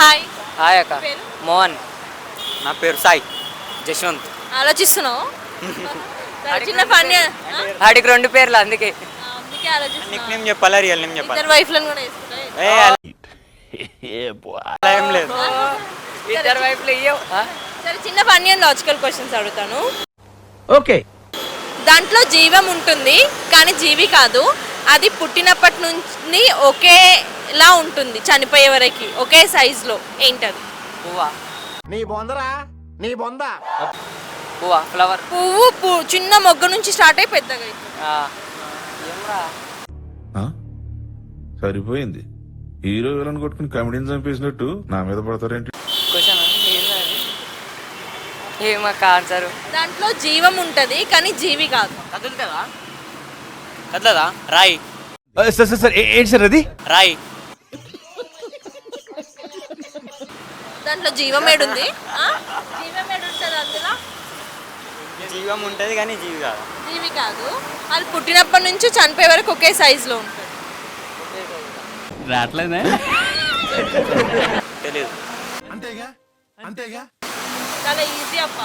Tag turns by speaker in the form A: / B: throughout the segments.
A: Hi.
B: Hi అక్క. మోహన్.
C: నా పేరు సాయి జశ్వంత్.
A: ఆలోచిస్తున్నావు? చిన్న పని
B: ఆడికి 2 పేర్లు అందుకే
C: నిక్ నేమ్ చెప్పాలా రియల్ నేమ్ చెప్పాలా?
A: ఇద్దరు వైఫ్లను కూడా వేసుకుంటా.
C: ఏం లేదు.
B: ఇద్దరు వైపులు ఇయ్యవు.
A: సరే చిన్న ఫన్నీ అండ్ లాజికల్ క్వశ్చన్స్ అడుగుతాను.
D: ఓకే.
A: దాంట్లో జీవం ఉంటుంది కానీ జీవి కాదు. అది పుట్టినప్పటి నుంచి ఒకేలా ఉంటుంది, చనిపోయే వరకు ఒకే సైజులో. ఏంటది?
B: పువ్వా?
D: నీ బొందరా నీ బొంద.
B: పువ్వా? ఫ్లవర్.
A: పువ్వు చిన్న మొగ్గ నుంచి స్టార్ట్ అయి పెద్దగా
B: ఏమ్రా
E: సరిపోయింది. హీరో విలన్ కొట్టుకుని కమెడీని చంపేసినట్టు నా మీద పడతారేంటి?
B: Question ఏమక్క answer?
A: దాంట్లో జీవం ఉంటది కానీ జీవి కాదు.
B: కదులుతుందా?
C: కదలదా? రాయి.
D: సార్ ఏంటి సార్ అది?
C: రాయి.
A: దాంట్లో జీవమేడుంది. జీవమేడుంటది అందులో.
C: జీవం ఉంటది కానీ జీవి కాదు.
A: జీవి కాదు. అది పుట్టినప్పటి నుంచి చనిపోయే వరకు ఒకే సైజులో ఉంటుంది.
D: రాట్లేదే
C: తెలియదు.
E: అంతేగా అంతేగా.
A: చాలా ఈజీ అప్ప,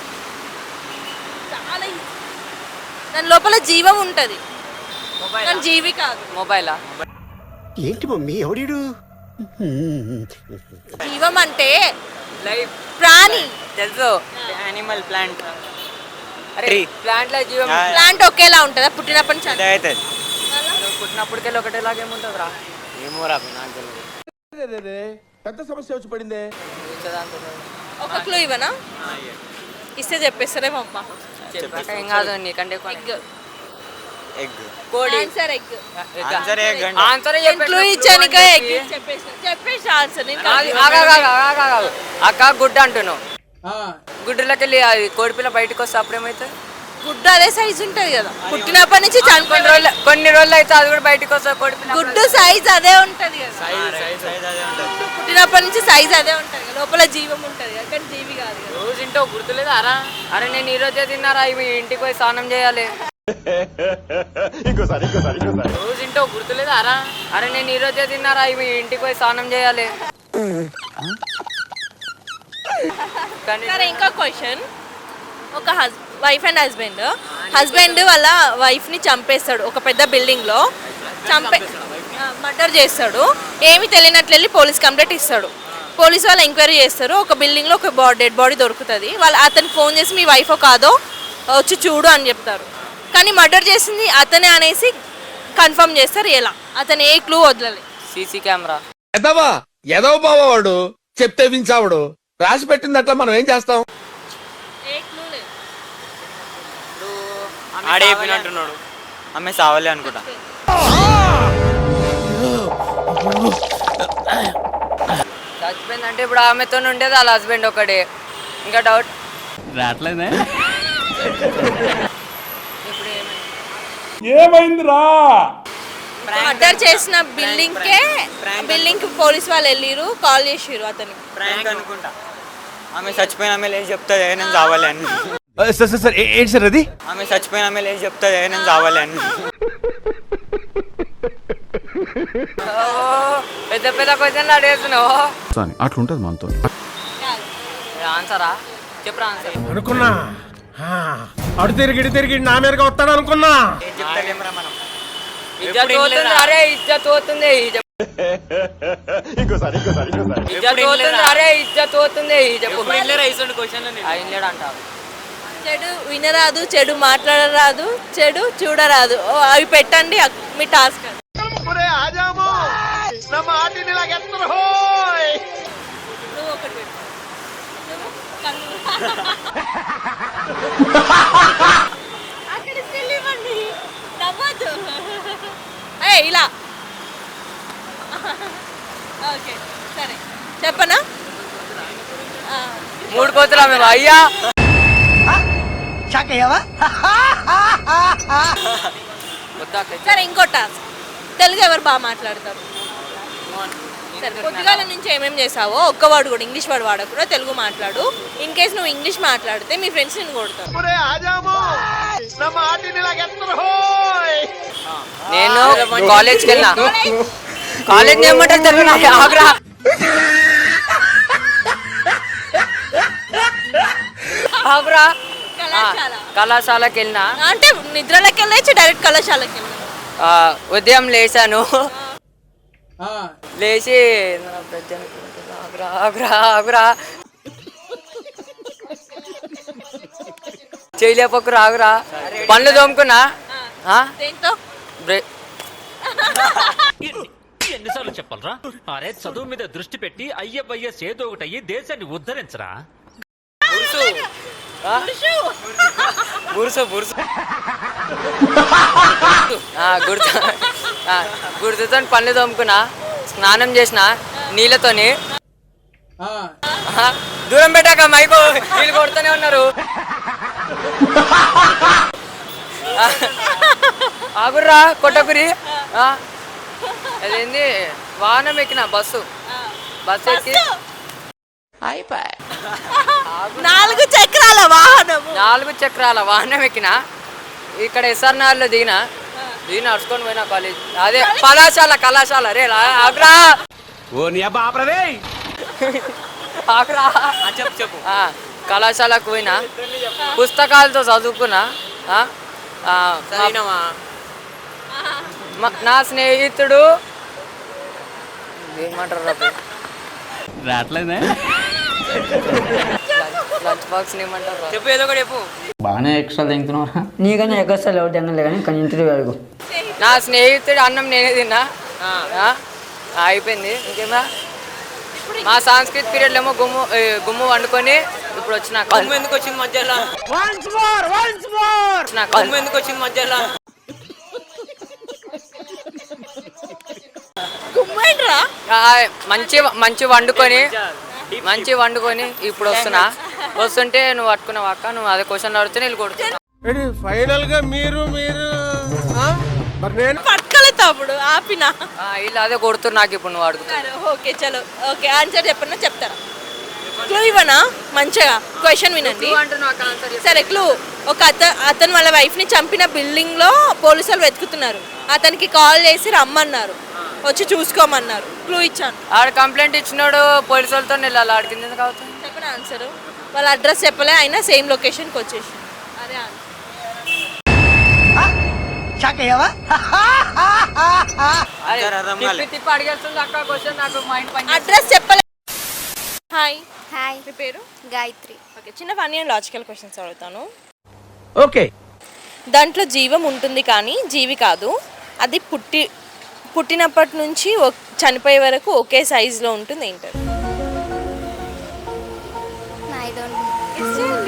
A: చాలా ఈజీ. దాని లోపల జీవం ఉంటది కానీ జీవి కాదు.
B: మొబైలా?
D: ఏంటి మమ్మీ ఎవడీడు?
A: జీవం అంటే
B: లైఫ్,
A: ప్రాణి.
B: తెలుసు.
C: Animal, plant.
B: అరే ప్లాంట్ లో జీవం.
A: ప్లాంట్ ఒకేలా ఉంటుందా పుట్టినప్పటి నుంచి?
C: అయితే
B: పుట్టినప్పటికెళ్ళి ఒకటేలాగేముంటుంది రా?
C: ఏమో రా, నాకు తెలియదు.
D: పెద్ద సమస్య వచ్చి పడిందే.
A: ఒక క్లూ ఇవ్వనా? ఇస్తే చెప్పేస్తారేమో అమ్మ.
B: ఏం కాదు, నీకంటే
A: ఎగ్.
C: ఎగ్.
B: కోడి.
A: Answer egg.
C: ఆన్సర్ ఎగ్ అంటే
B: ఆన్సర్
A: క్లూ ఇచ్చానిక ఎగ్ చెప్పేసి ఆన్సర్.
B: అక్క గుడ్డ అంటున్నావు. గుడ్డులోకి వెళ్ళి అది కోడిపిల్ల బయటకు వస్తే అప్పుడేమైతే?
A: గుడ్డు అదే సైజ్ ఉంటది కదా పుట్టినప్పటి నుంచి
B: కొన్ని రోజులు అయితే అది కూడా బయటకు వస్తుంది కోడిపిల్ల.
A: గుడ్డు సైజ్ అదే ఉంటది కదా.
C: సైజ్ అదే ఉంటది.
A: పుట్టినప్పటి నుంచి సైజ్ అదే ఉంటది కదా, లోపల జీవం ఉంటది కదా, కానీ జీవి కాదు కదా.
B: రోజు ఇంటో గుర్తులేదా అరా? అరే నేను ఈ రోజే తిన్నారా, ఇవి ఇంటికి పోయి స్నానం చేయాలి. రోజు ఇంటో గుర్తులేదా అరా? అరే నేను ఈ రోజే తిన్నారా, ఇవి ఇంటికి పోయి స్నానం చేయాలి.
A: సరే ఇంకో క్వశ్చన్. ఒక వైఫ్ అండ్ హస్బెండ్ వాళ్ళ వైఫ్ ని చంపేస్తాడు ఒక పెద్ద బిల్డింగ్ లో. మర్డర్ చేస్తాడు. ఏమి తెలియనట్లు వెళ్ళి పోలీస్ కంప్లైంట్ ఇస్తాడు. పోలీసు వాళ్ళు ఎంక్వైరీ చేస్తారు. ఒక బిల్డింగ్ లో ఒక డెడ్ బాడీ దొరుకుతుంది. వాళ్ళు అతనికి ఫోన్ చేసి మీ వైఫ్ కాదో వచ్చి చూడు అని చెప్తారు. కానీ మర్డర్ చేసింది అతనే అనేసి కన్ఫర్మ్ చేస్తారు. ఎలా? అతను ఏ క్లూ వదలలేదు.
B: CC camera.
D: ఎదవ బావాడు చెప్తే వించావుడు రాసి పెట్టింది అట్లా మనం ఏం చేస్తాం?
A: ఏ క్లూ లేదు.
C: ఆడే చెప్పినట్టున్నాడు. ఆమె సావాలి అనుకుంటా.
B: చచ్చిపోయిందంటే ఇప్పుడు ఆమెతో ఉండేది వాళ్ళ హస్బెండ్ ఒకడే. ఇంకా డౌట్
D: రాట్లేదే.
B: ఇప్పుడు
D: ఏమైందిరా?
A: మర్డర్ చేసిన బిల్డింగ్ కి పోలీస్ వాళ్ళు వెళ్ళిరు, కాల్ చేసిరు అతనికి.
C: ప్రాంక్ అనుకుంటా. ఆమె చచ్చిపోయిన ఆమె లేచి చెప్తుంది నేను చావాలి అని.
D: సార్ ఏంటి సార్ అది?
C: ఆమె చచ్చిపోయిన ఆమె లేచి చెప్తుంది నేను చావాలి అని.
B: పెద్ద పెద్ద క్వశ్చన్లు అడిగేస్తున్నావు.
E: అట్లుంటది మనతో.
B: ఆన్సరా? చెప్పరా ఆన్సర్.
D: అనుకున్నా అడు తిరిగి నా మీదగా వస్తాడు అనుకున్నా.
C: ఏం చెప్తాలేమరా మనం?
B: ఇజ్జత్ పోతుంది. అరే ఇజ్జత్ పోతుంది. ఇజ్జత్ పోతుంది. అరే ఇజ్జత్ పోతుంది. అంటావు.
A: చెడు వినరాదు, చెడు మాట్లాడరాదు, చెడు చూడరాదు. అవి పెట్టండి మీ టాస్క్. నువ్వు ఒకటి పెట్టు. అక్కడ ఇవ్వండి, నవ్వద్దు. ఇలా ఓకే సరే చెప్పనా?
B: 3 కోతులా మేము అయ్యా?
A: సరే ఇంకో టాస్క్. తెలుగు ఎవరు బాగా మాట్లాడతారు? సరే పొద్దుగాల నుంచి ఏమేమి చేసావో ఒక్క వాడు కూడా ఇంగ్లీష్ వాడు వాడకుండా తెలుగు మాట్లాడు. ఇన్ కేసు నువ్వు ఇంగ్లీష్ మాట్లాడితే మీ ఫ్రెండ్స్ నిన్ను కొడతారు.
B: నేను కాలేజ్కి వెళ్ళినా. కాలేజ్ ఏమంటారు తెలుగు నాకు ఆగ్రా. ఆగురా
A: కళాశాల
B: కళాశాలకి వెళ్ళినా
A: అంటే నిద్రలోకి వెళ్ళచ్చు డైరెక్ట్ కళాశాలకి వెళ్ళాను.
B: ఉదయం లేచాను లేచి ఆగురా ఆగురా ఆగురా చేయలేపకురా ఆగురా పళ్ళు తోముకున్నా
A: దేంతో
F: ఎన్నిసార్లు చెప్పాలరా? అరే చదువు మీద దృష్టి పెట్టి అయ్యబయ్య సేదో ఒకటి అయ్యి దేశాన్ని ఉద్ధరించరా.
B: గురుసు గుర్తుతో పళ్ళు తోముకున్నా స్నానం చేసిన నీళ్ళతోని దూరం పెట్టాక మైకు నీళ్ళు కొడుతూనే ఉన్నారు. ఆగుర్రా కొట్టకురి అదేంది వాహనం ఎక్కిన బస్సు ఎక్కి
A: 4 చక్రాల వాహనము
B: 4 చక్రాల వాహనం ఎక్కిన ఇక్కడ ఎస్ఆర్నగర్లో దిగిన నడుచుకొని పోయినా కాలేజ్ అదే కళాశాల రే ఆగ్రా ఆగ్రా చెప్పు కళాశాలకు పోయినా పుస్తకాలతో చదువుకున్నా. నా స్నేహితుడు ఏమంటారు లంచ్ బాక్స్ ఏమంటారు చెప్పు ఏదో ఒకటి చెప్పు.
G: బాగానే ఎక్స్ట్రా తింటున్నారా? నీకన్నా ఎక్స్ట్రా ఎవరు తినలే కానీ కానీ ఇంటర్వ్యూ అడుగు.
B: నా స్నేహితుడు అన్నం నేనే తిన్నా అయిపోయింది. ఇంకేమా మా సాంస్కృతిక పీరియడ్లో ఏమో గుమ్ము వండుకొని ఇప్పుడు వచ్చిన ఎందుకు వచ్చింది మధ్యలో ఎందుకు వచ్చింది మధ్యలో మంచి వండుకొని ఇప్పుడు వస్తుంటే నువ్వు పట్టుకున్నావు అక్క నువ్వు అదే క్వశ్చన్ అడిగితే నేను కొడుతున్నా.
D: ఫైనల్ గా మీరు
A: పట్టుకోలేదు తప్పుడు ఆపినా
B: ఇలా అదే కొడుతున్నా నాకు ఇప్పుడు నువ్వు అడుగుతావు.
A: ఓకే చలో ఓకే ఆన్సర్ చెప్పన్నా చెప్తారా? క్లూ ఇవ్వనా? మంచిగా క్వశ్చన్ వినండి. సరే క్లూ. ఒక అతను వాళ్ళ వైఫ్ ని చంపిన బిల్డింగ్ లో పోలీసులు వెతుకుతున్నారు. అతనికి కాల్ చేసి రమ్మన్నారు, వచ్చి చూసుకోమన్నారు. క్లూ ఇచ్చాను.
B: ఆడ కంప్లైంట్ ఇచ్చినాడు పోలీసు వాళ్ళతో వెళ్ళాలి. ఆడికింది ఎందుకు అవుతుంది?
A: చెప్పిన ఆన్సర్ వాళ్ళ అడ్రస్ చెప్పలే, అయినా సేమ్ లొకేషన్కి వచ్చేసి అదే అడ్రస్ చెప్పలే. హాయ్
H: హాయ్,
A: మీ పేరు?
H: గాయత్రి.
A: ఓకే, చిన్న ఫన్నీ అండ్ లాజికల్ క్వశ్చన్స్ అడుగుతాను.
D: ఓకే.
A: దాంట్లో జీవం ఉంటుంది కానీ జీవి కాదు. అది పుట్టినప్పటి నుంచి చనిపోయే వరకు ఒకే సైజులో ఉంటుంది. ఏంటది?
H: I don't.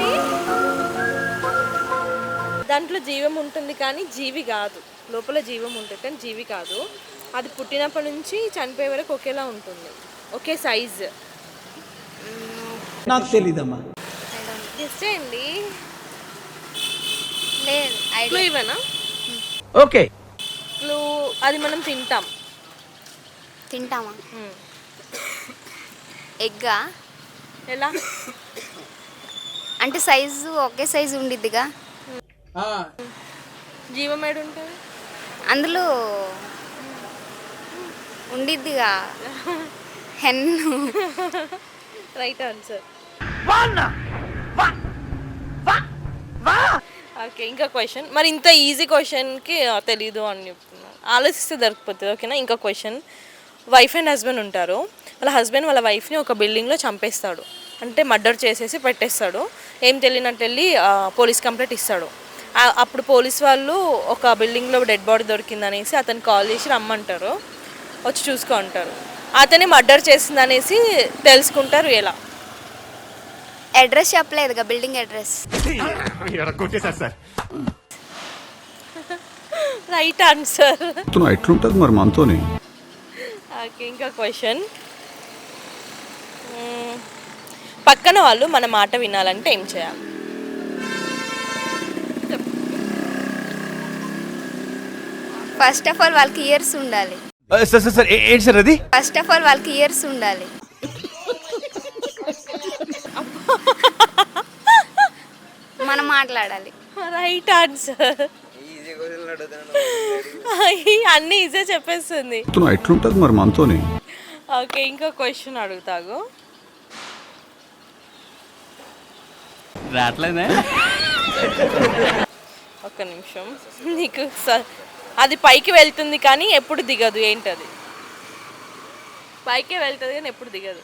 A: దాంట్లో జీవం ఉంటుంది కానీ జీవి కాదు. లోపల జీవం ఉంటుంది కానీ జీవి కాదు. అది పుట్టినప్పటి నుంచి చనిపోయే వరకు ఒకేలా ఉంటుంది, ఒకే సైజ్.
I: నాకు తెలీదమ్మా.
A: గెస్ చేయండి.
H: లేదు,
A: క్లూ ఇవ్వనా?
D: ఓకే.
A: క్లూ అది మనం
H: తింటామా? ఎగ్గా?
A: ఎలా
H: అంటే సైజు ఒకే సైజు ఉండిద్దిగా.
A: జీవం ఏడు ఉంటుంది
H: అందులో ఉండిద్దిగా. హెన్ను.
A: Right answer. ఓకే, ఇంకా క్వశ్చన్. మరి ఇంత ఈజీ క్వశ్చన్కి తెలీదు అని చెప్తున్నాను, ఆలోచిస్తే దొరికిపోతుంది. ఓకేనా? ఇంకా క్వశ్చన్. వైఫ్ అండ్ హస్బెండ్ ఉంటారు. వాళ్ళ హస్బెండ్ వాళ్ళ వైఫ్ని ఒక బిల్డింగ్లో చంపేస్తాడు, అంటే మర్డర్ చేసేసి పెట్టేస్తాడు. ఏం తెలియనట్టు వెళ్ళి పోలీస్ కంప్లైంట్ ఇస్తాడు. అప్పుడు పోలీస్ వాళ్ళు ఒక బిల్డింగ్లో డెడ్ బాడీ దొరికిందనేసి అతను కాల్ చేసి రమ్మంటారు, వచ్చి చూసుకో అంటారు. అతన్ని మర్డర్ చేసిందనేసి తెలుసుకుంటారు. ఎలా?
H: అడ్రస్ చెప్పలేదుగా, బిల్డింగ్ అడ్రస్.
A: Right answer.
E: ఎట్లుంటది మరి మనతోని?
A: ఓకే, ఇంకా క్వశ్చన్. పక్కన వాళ్ళు మన మాట వినాలంటే ఏం చేయాలి?
H: ఫస్ట్ ఆఫ్ ఆల్ వాళ్ళకి ఇయర్స్ ఉండాలి.
D: సార్ ఏంటి సార్ అది?
H: ఫస్ట్ ఆఫ్ ఆల్ వాళ్ళకి ఇయర్స్ ఉండాలి. మనం మాట్లాడాలి.
A: Right answer. అన్నీ ఈజీ చెప్పేస్తుంది.
E: ఎట్లుంటది మరి మనతోని?
A: ఓకే, ఇంకో క్వశ్చన్ అడుగుతాగు. ఒక్క నిమిషం. నీకు అది పైకి వెళ్తుంది కానీ ఎప్పుడు దిగదు, ఏంటది? పైకే వెళ్తుంది కానీ ఎప్పుడు దిగదు.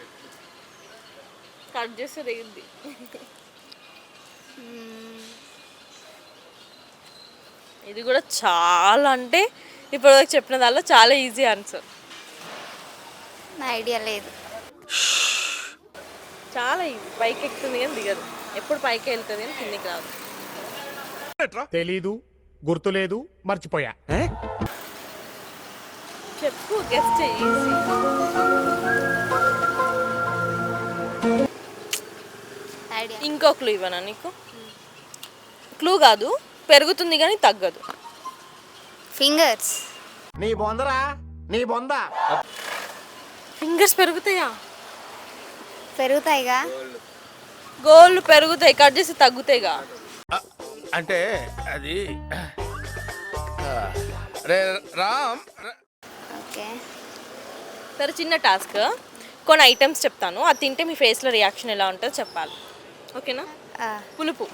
A: కట్ చేస్తే దిగుద్ది. ఇది కూడా చాలా అంటే ఇప్పుడు చెప్పిన దానిలో చాలా ఈజీ ఆన్సర్.
H: నా ఐడియా లేదు.
A: చాలా ఈజీ. పైకి ఎక్కుతుంది కానీ దిగదు, ఎప్పుడు పైకి వెళ్తుంది కానీ కిందికి రాదు.
I: తెలీదు, గుర్తులేదు, మర్చిపోయా.
A: చెప్పు, గెస్ట్ చెయ్యి.
H: ఐడియా.
A: ఇంకో క్లూ ఇవ్వనా నీకు? క్లూ కాదు, పెరుగుతుంది కానీ తగ్గదు.
H: ఫింగర్స్.
I: నీ బొందరా, నీ బొంద.
A: ఫింగర్స్ పెరుగుతాయా?
H: పెరుగుతాయిగా.
A: గోళ్ళు పెరుగుతాయి, కట్ చేసి తగ్గుతాయిగా.
D: అంటే అది రే రామ్.
H: ఓకే.
A: సరే, చిన్న టాస్క్. కొన్ని ఐటమ్స్ చెప్తాను, అది తింటే మీ ఫేస్లో రియాక్షన్ ఎలా ఉంటుందో చెప్పాలి. ఓకేనా? పులుపు.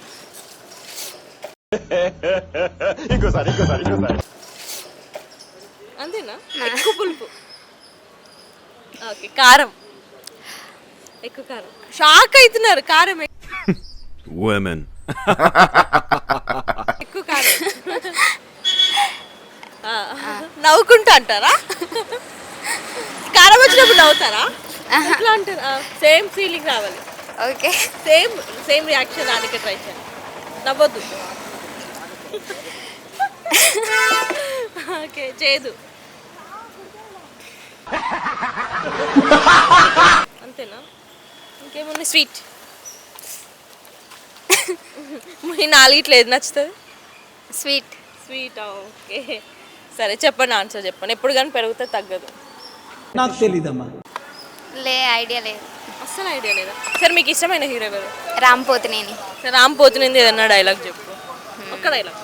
A: అంతేనా? ఎక్కువ పులుపు. ఓకే. కారం. ఎక్కువ కారం. షాక్ అవుతున్నారు. కారం ఎక్కువ కారం. నవ్వుకుంటా అంటారా? కారం వచ్చినప్పుడు నవ్వుతారా? ఎట్లా అంటారా? సేమ్ ఫీలింగ్ రావాలి.
H: ఓకే.
A: సేమ్ రియాక్షన్ రానికి ట్రై చేయండి. నవ్వద్దు. ఓకే. చేదు. అంతేనా? ఇంకేముంది? స్వీట్. మీ నాలుగిట్లో ఏది నచ్చుతుంది?
H: స్వీట్.
A: స్వీట్. ఓకే. సరే, చెప్పండి ఆన్సర్ చెప్పండి. ఎప్పుడు కానీ పెరిగితే తగ్గదు.
I: నాకు తెలీదమ్మా.
H: ఐడియా లేదు.
A: అస్సలు ఐడియా లేదా? సరే, మీకు ఇష్టమైన హీరో ఎవరు?
H: రామ్ పోతినేని.
A: సరే, రామ్ పోతినేని ఏదన్నా డైలాగ్ చెప్పు. ఒక్క డైలాగ్.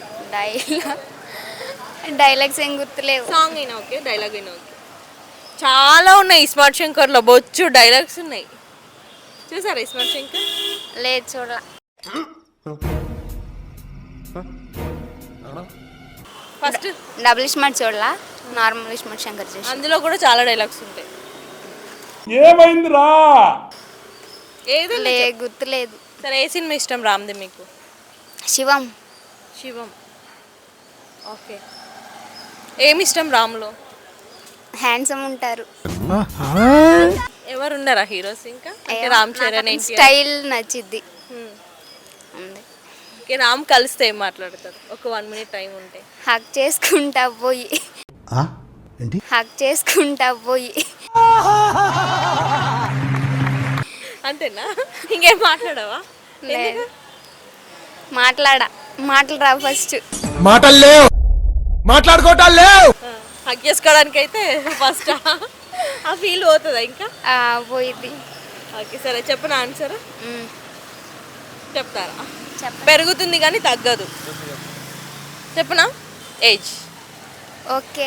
H: డైలాగ్స్ ఏం గుర్తులేవు.
A: సాంగ్ అయినా ఓకే, డైలాగ్ అయినా ఓకే. చాలా ఉన్నాయి స్మార్ట్ శంకర్లో, బొచ్చు డైలాగ్స్ ఉన్నాయి. చూసారా స్మార్ట్ శంకర్?
H: లేదు, చూడ.
A: ఫస్ట్
H: డబుల్ స్మార్ట్ చూడలా, నార్మల్ స్మార్ట్ శంకర్ చూసి.
A: అందులో కూడా చాలా డైలాగ్స్ ఉంటాయి.
I: ఏమైందిరా?
A: ఏదో
H: గుర్తులేదు.
A: సరే, ఏ సినిమా ఇష్టం రామ్ది మీకు?
H: శివం.
A: శివం. ఓకే. ఏమి ఇష్టం రామ్లో?
H: హ్యాండ్సమ్ ఉంటారు.
A: ఎవరు ఉన్నారా హీరోస్ ఇంకా? అంటే రామ్ చరణ్,
H: స్టైల్ నచ్చిద్ది.
A: ఓకే. రామ్ కలిస్తే ఏం మాట్లాడతారు? ఒక 1 minute టైం ఉంటే.
H: హక్ చేసుకుంటా పోయి. హక్ చేసుకుంటా పోయి.
A: అంతేనా? ఇంకేం మాట్లాడవా?
H: లేదు, మాటలు రావు. ఫస్ట్
I: మాటలు లేవు, మాట్లాడుకోవటాలు లేవు.
A: హక్ చేసుకోవడానికి అయితే ఫస్ట్ ఆ ఫీల్ పోతుందా ఇంకా?
H: పోయిద్ది.
A: ఓకే. సరే, చెప్పనా ఆన్సర్? చెప్తారా?
H: చెప్ప.
A: పెరుగుతుంది కానీ తగ్గదు. చెప్పనా? ఏజ్.
H: ఓకే.